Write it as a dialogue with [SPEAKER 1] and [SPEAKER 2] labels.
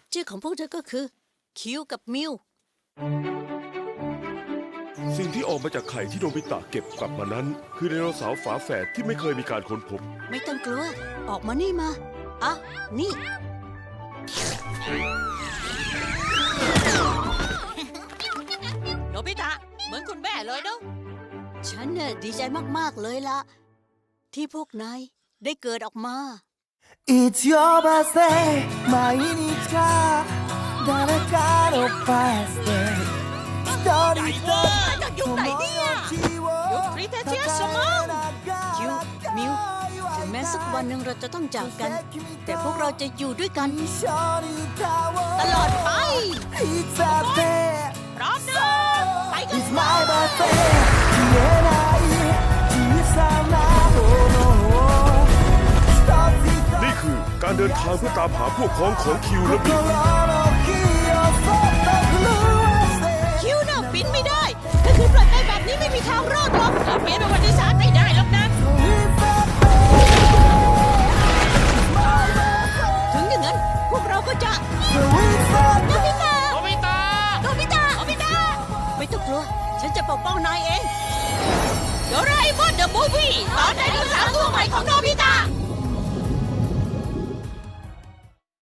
[SPEAKER 1] ชื่อของพวกเธอก็คือคิวกับมิว
[SPEAKER 2] สิ่งที่ออกมาจากไข่ที่โนบิตะเก็บกลับมานั้น คือไดโนเสาร์ฝาแฝดที่ไม่เคยมีการค้นพบ
[SPEAKER 1] ไม่ต้องกลัว ออกมานี่มาอ่ะนี่
[SPEAKER 3] โนบิตะเหมือนคุณแม่เลยเนาะ
[SPEAKER 1] ฉันเนี่ยดีใจมากๆเลยล่ะ ที่พวกนายได้เกิดออกมา
[SPEAKER 4] It's your birthday 毎日が誰かの birthday 一人一人
[SPEAKER 3] จากยุคไหนเนี่ยยุคคริสเตียนสมอง
[SPEAKER 1] คิว มิว ถึงแม้สักวันหนึ่งเราจะต้องจากกัน แต่พวกเราจะอยู่ด้วยกัน
[SPEAKER 4] 一緒に歌おう
[SPEAKER 1] ตลอดไป
[SPEAKER 4] It's birthday
[SPEAKER 3] พร้อมนะไปกัน
[SPEAKER 4] It's my birthday 消えない小さなものを一つ一つ
[SPEAKER 2] นี่คือการเดินทางเพื่อตามหาพวกพ้องของคิวและมิว
[SPEAKER 4] 心の火をそっと震わせて
[SPEAKER 3] คิวน่ะบินไม่ได้ถ้าคือปล่อยไปแบบนี้ไม่มีทางรอดหรอกเปลี่ยนประวัติศาสตร์ไม่ได้หรอกนะ ถึงอย่างนั้นพวกเราก็จะโนบิตะโนบิตะโนบิตะโนบิตะ
[SPEAKER 1] ไม่ต้องกลัว ฉันจะปกป้องนายเอง
[SPEAKER 3] โดราเอมอนเดอะมูฟวี่ตอนไดโนเสาร์ตัวใหม่ของโนบิตะ